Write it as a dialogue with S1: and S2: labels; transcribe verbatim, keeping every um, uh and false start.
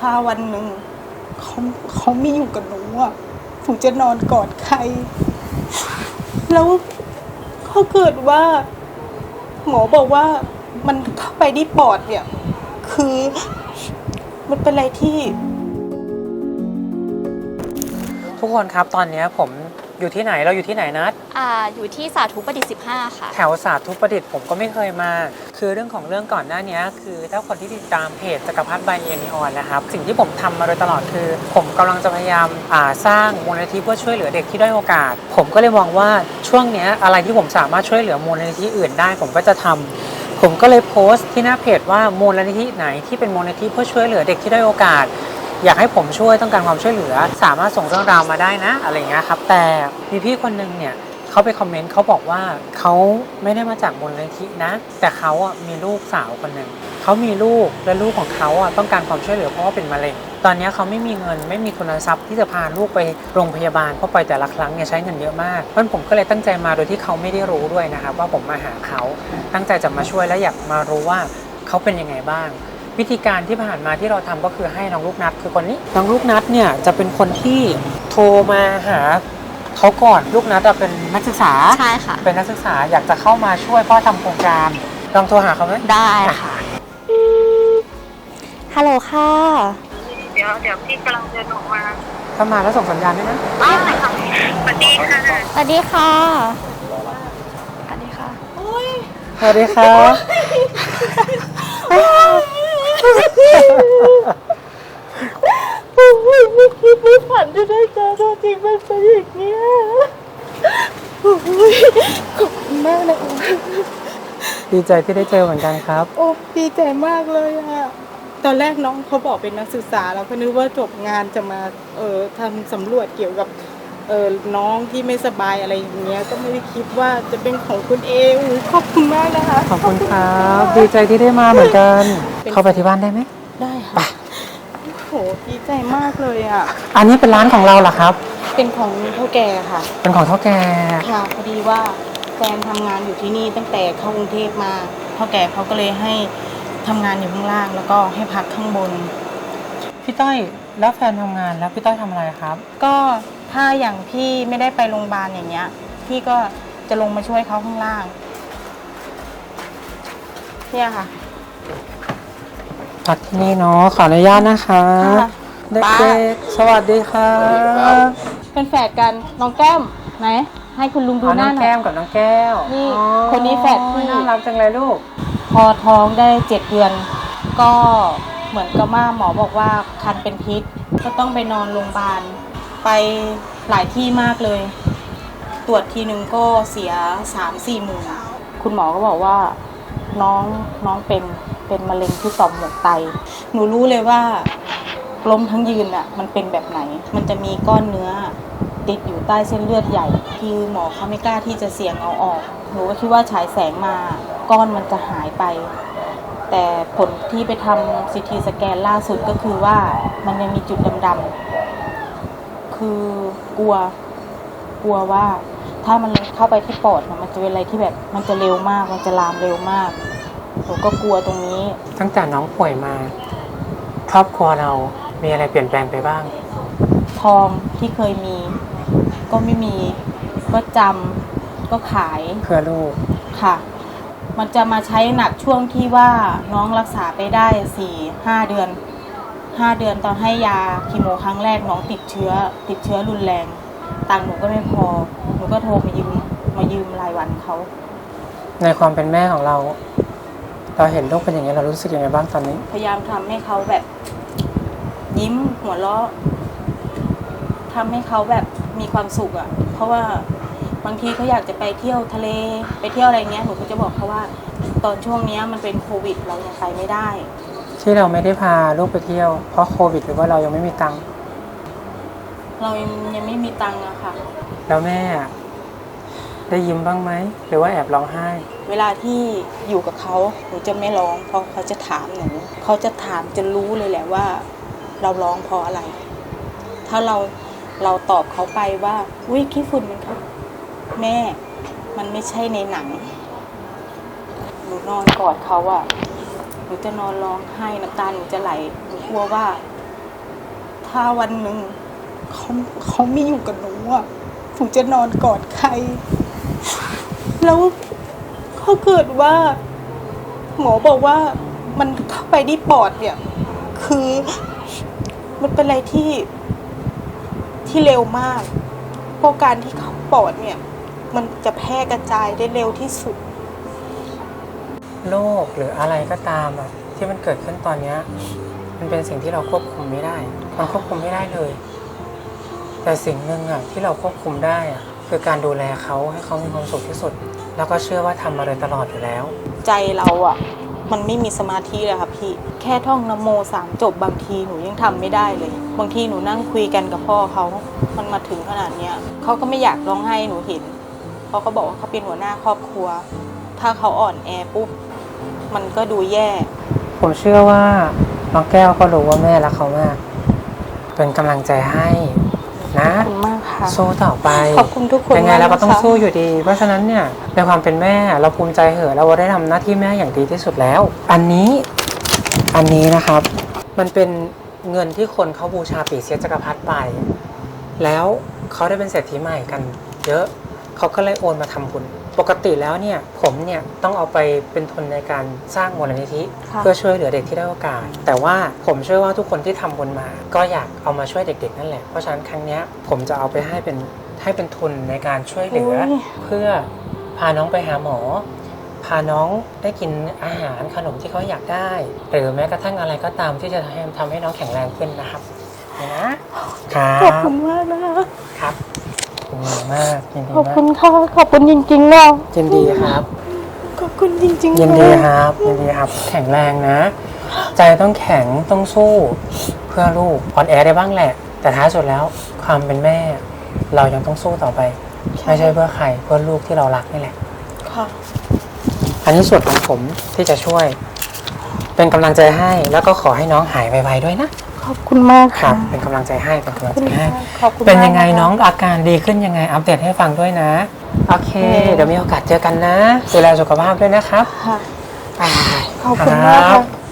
S1: ถ้าวันหนึ่งเขาเขาไม่อยู่กับหนูอ่ะหนูจะนอนกอดใครแล้วเขาเกิดว่าหมอบอกว่ามันเข้าไปที่ปอดเนี่ยคือมันเป็นอะไรที่
S2: ทุกคนครับตอนนี้ผมอยู่ที่ไหนเราอยู่ที่ไหนนัด
S3: อ่าอยู่ที่สาธุประดิษฐ์สิบห้าค่ะ
S2: แถวสาธุประดิษฐ์ผมก็ไม่เคยมาคือเรื่องของเรื่องก่อนหน้านี้คือถ้าคนที่ติดตามเพจจักรพรรดิใบเอนีออนนะครับสิ่งที่ผมทำมาโดยตลอดคือผมกำลังจะพยายามอ่าสร้างมูลนิธิเพื่อช่วยเหลือเด็กที่ด้อยโอกาสผมก็เลยมองว่าช่วงนี้อะไรที่ผมสามารถช่วยเหลือมูลนิธิอื่นได้ผมก็จะทำผมก็เลยโพสต์ที่หน้าเพจว่ามูลนิธิไหนที่เป็นมูลนิธิเพื่อช่วยเหลือเด็กที่ด้อยโอกาสอยากให้ผมช่วยต้องการความช่วยเหลือสามารถส่งเรื่องราวมาได้นะอะไรเงี้ยครับแต่มีพี่คนนึงเนี่ยเขาไปคอมเมนต์เขาบอกว่าเขาไม่ได้มาจากมูลนิธินะแต่เขาอ่ะมีลูกสาวคนหนึ่งเขามีลูกและลูกของเขาอ่ะต้องการความช่วยเหลือเพราะว่าเป็นมะเร็งตอนนี้เขาไม่มีเงินไม่มีทุนทรัพย์ที่จะพาลูกไปโรงพยาบาลเพราะไปแต่ละครั้งเนี่ยใช้เงินเยอะมากเพราะผมก็เลยตั้งใจมาโดยที่เขาไม่ได้รู้ด้วยนะครับว่าผมมาหาเขาตั้งใจจะมาช่วยและอยากมารู้ว่าเขาเป็นยังไงบ้างวิธีการที่ผ่านมาที่เราทำก็คือให้น้องลูกนัดคือคนนี้น้องลูกนัดเนี่ยจะเป็นคนที่โทรมาหาเขาก่อนลูกนัดเป็นนักศึกษา
S3: ใช่ค่ะ
S2: เป็นนักศึกษาอยากจะเข้ามาช่วยพ่อทำโครงการลองโทรหาเขาไหม
S3: ได้ค่ะฮัลโหลค่ะ
S4: เดี๋ยวเดี๋ยวพี่กำลังเดินออกมา
S2: ถ้ามาแล้วส่งสัญญาณด้วยนะ
S4: อ๋อค่ะสวัสดีค่ะ
S3: สวัสดีค่ะสวัสดีค่ะ
S2: สวัสดีครับ
S1: ไม่คิดไม่ฝันจะได้เจอตัวจริงมันเป็นอย่างนี้ขอบคุณมากนะ
S2: ดีใจที่ได้เจอเหมือนกันครับ
S1: โอ้ดีใจมากเลยอะตอนแรกน้องเขาบอกเป็นนักศึกษาแล้วก็นึกว่าจบงานจะมาเออทำสำรวจเกี่ยวกับเออน้องที่ไม่สบายอะไรอย่างเงี้ยก็ไม่ได้คิดว่าจะเป็นของคุณเองขอบคุณมากนะคะ
S2: ขอบคุณครับดีใจที่ได้มาเหมือนกันเข้าไปที่บ้านได้ไหม
S1: ได้ค่ะโอ้โหดีใจมากเลยอ่ะ
S2: อันนี้เป็นร้านของเราเหรอครับ
S1: เป็นของเท่าแก่ค่ะ
S2: เป็นของเท่าแก่
S1: ค่ะพอดีว่าแฟนทำงานอยู่ที่นี่ตั้งแต่เข้ากรุงเทพมาเท่าแก่เขาก็เลยให้ทำงานอยู่ข้างล่างแล้วก็ให้พักข้างบน
S2: พี่ต้อยแล้วแฟนทำงานแล้วพี่ต้อยทำอะไรครับ
S1: ก็ถ้าอย่างพี่ไม่ได้ไปโรงพยาบาลอย่างเงี้ยพี่ก็จะลงมาช่วยเขาข้างล่างเนี่ยค่ะ
S2: พักที่นี่เนาะขออนุญาตนะคะเด็กๆสวัสดีครับ
S1: เป็นแฝดกันน้องแก้มไหนให้คุณลุงดูหน้าหน่อย
S2: น้องแก้มกับน้องแก้ว
S1: นี่คนนี้แฝดพี่
S2: น่ารักจังเลยลูก
S1: พอท้องได้เจ็ดเดือนก็เหมือนกับว่าหมอบอกว่าคันเป็นพิษก็ต้องไปนอนโรงพยาบาลไปหลายที่มากเลยตรวจทีนึงก็เสียสามสี่หมื่นคุณหมอก็บอกว่าน้องน้องเป็นเป็นมะเร็งที่ต่อมหมวกไตหนูรู้เลยว่าล้มทั้งยืนอ่ะมันเป็นแบบไหนมันจะมีก้อนเนื้อติดอยู่ใต้เส้นเลือดใหญ่คือหมอเขาไม่กล้าที่จะเสี่ยงเอาออกหนูก็คิดว่าฉายแสงมาก้อนมันจะหายไปแต่ผลที่ไปทำซีทีสแกนล่าสุดก็คือว่ามันยังมีจุดดำๆคือกลัวกลัวว่าถ้ามันเข้าไปที่ปอดมันจะเป็นอะไรที่แบบมันจะเร็วมากมันจะลามเร็วมากหนูก็กลัวตรงนี้
S2: ตั้งแต่น้องป่วยมาครอบครัวเรามีอะไรเปลี่ยนแปลงไปบ้าง
S1: ทองที่เคยมีก็ไม่มีก็จำก็ขาย
S2: เพื่อลูก
S1: ค่ะมันจะมาใช้หนักช่วงที่ว่าน้องรักษาไปได้สี่ห้าเดือนห้าเดือนตอนให้ยาคีโมครั้งแรกน้องติดเชื้อติดเชื้อรุนแรงตังค์หนูก็ไม่พอหนูก็โทรมายืมมายืมรายวันเขา
S2: ในความเป็นแม่ของเราเราเห็นลูกเป็นอย่างนี้เรารู้สึกยังไงบ้างตอนนี้
S1: พยายามทำให้เขาแบบยิ้มหัวเราะทำให้เขาแบบมีความสุขอ่ะเพราะว่าบางทีเขาอยากจะไปเที่ยวทะเลไปเที่ยวอะไรเงี้ยหนูก็จะบอกเขาว่าตอนช่วงนี้มันเป็นโควิดเรายังไปไม่ได้
S2: ที่เราไม่ได้พาลูกไปเที่ยวเพราะโควิดหรือว่าเรายังไม่มีตังค์
S1: เรายังยังไม่มีตังค์อะค่ะ
S2: แล้วแม่ได้ยิ้มบ้างไหมหรือว่าแอบร้องไห้
S1: เวลาที่อยู่กับเขาหนูจะไม่ร้องเพราะเขาจะถามหนูเขาจะถามจะรู้เลยแหละว่าเราร้องเพราะอะไรถ้าเราเราตอบเขาไปว่าอุ้ยขี้ฝุ่นมันค่ะแม่มันไม่ใช่ในหนังหนูนอนกอดเขาอะหนูจะนอนร้องไห้น้ำตาหนูจะไหลหนูกลัวว่าถ้าวันหนึ่งเขาเขาไม่อยู่กับหนูอ่ะหนูจะนอนกอดใคร แล้วเขาเกิดว่า หมอบอกว่ามันเข้าไปที่ปอดเนี่ย คือมันเป็นอะไรที่ที่เร็วมากเพราะการที่เข้าปอดเนี่ย มันจะแพร่กระจายได้เร็วที่สุด
S2: โรคหรืออะไรก็ตามอะที่มันเกิดขึ้นตอนเนี้ยมันเป็นสิ่งที่เราควบคุมไม่ได้มันควบคุมไม่ได้เลย แต่สิ่งหนึ่งอะที่เราควบคุมได้อะคือการดูแลเขาให้เขามีความสุขที่สุด แล้วก็เชื่อว่าทำมาโดยตลอดอยู่แล้ว
S1: ใจเราอ่ะ มันไม่มีสมาธิเลยค่ะพี่แค่ท่องนะโมสามจบบางทีหนูยังทำไม่ได้เลย บางทีหนูนั่งคุยกันกับพ่อเขามันมาถึงขนาดเนี้ยเขาก็ไม่อยากร้องไห้หนูเห็นเพราะเขาบอกว่าเขาเป็นหัวหน้าครอบครัว ถ้าเขาอ่อนแอปุ๊บมันก็ดูแย่
S2: ผมเชื่อว่าน้องแก้วก็รู้ว่าแม่รักเขามาก เป็นกำลังใจให้นะ
S1: ขอบคุณมากค่ะ
S2: สู้ต่อไป
S1: ขอบคุณทุกคน
S2: ยังไงเราก็ต้อง
S1: มากนะคะ
S2: สู้อยู่ดี เพราะฉะนั้นเนี่ยในความเป็นแม่เราภูมิใจเหอะเราได้ทำหน้าที่แม่อย่างดีที่สุดแล้ว อันนี้อันนี้นะครับ มันเป็นเงินที่คนเขาบูชาปีเสียจักรพรรดิไป แล้วเขาได้เป็นเศรษฐีใหม่กัน เยอะเขาก็เลยโอนมาทำบุญปกติแล้วเนี่ยผมเนี่ยต้องเอาไปเป็นทุนในการสร้างมูลนิธิ
S1: ค่ะ
S2: เพื่อช่วยเหลือเด็กที่ได้อยโอกาส แต่ว่าผมเชื่อว่าทุกคนที่ทำบุญมา ก็อยากเอามาช่วยเด็กๆนั่นแหละ เพราะฉะนั้นครั้งเนี้ยผมจะเอาไปให้เป็นให้เป็นทุนในการช่วยเหลือ เพื่อพาน้องไปหาหมอ พาน้องได้กินอาหารขนมที่เขาอยากได้ หรือแม้กระทั่งอะไรก็ตามที่จะทำให้ทำให้น้องแข็งแรงขึ้นนะครับนะครับ
S1: ขอบคุณมากนะคะ
S2: ครับขอบคุณมากยินดี
S1: ขอบ
S2: มา
S1: คุ
S2: ก
S1: ณค่ะขอบคุณจริงๆนะ
S2: ยินดีครับ
S1: ขอบคุณจริงๆ
S2: ยินดี
S1: นะ
S2: ครับยินดีครับ แข็งแรงนะ ใจต้องแข็งต้องสู้เพื่อลูกอ่อนแอได้บ้างแหละ แต่ท้ายสุดแล้วความเป็นแม่ เรายังต้องสู้ต่อไป ไม่ใช่เพื่อใครเพื่อลูกที่เรารักนี่แหละ
S1: ค่ะ
S2: อันนี้ส่วนของผมที่จะช่วย เป็นกำลังใจให้แล้วก็ขอให้น้องหายไวๆด้วยนะ
S1: ขอบคุณมาก
S2: ครั
S1: ค่ะ
S2: บ เป็นกำลังใจให้เป็นกำลังใจให้
S1: ขอบคุณมาก
S2: เป็นยังไง
S1: ะคะ
S2: น้องอาการดีขึ้นยังไงอัปเดตให้ฟังด้วยนะโอเค
S1: อืม
S2: เดี๋ยวมีโอกาสเจอกันนะดูแลสุขภาพด้วยนะครับ
S1: ค่ะ
S2: บ๊ายบาย
S1: ขอบคุณมาก
S2: ครั
S1: ค่ะ
S2: บ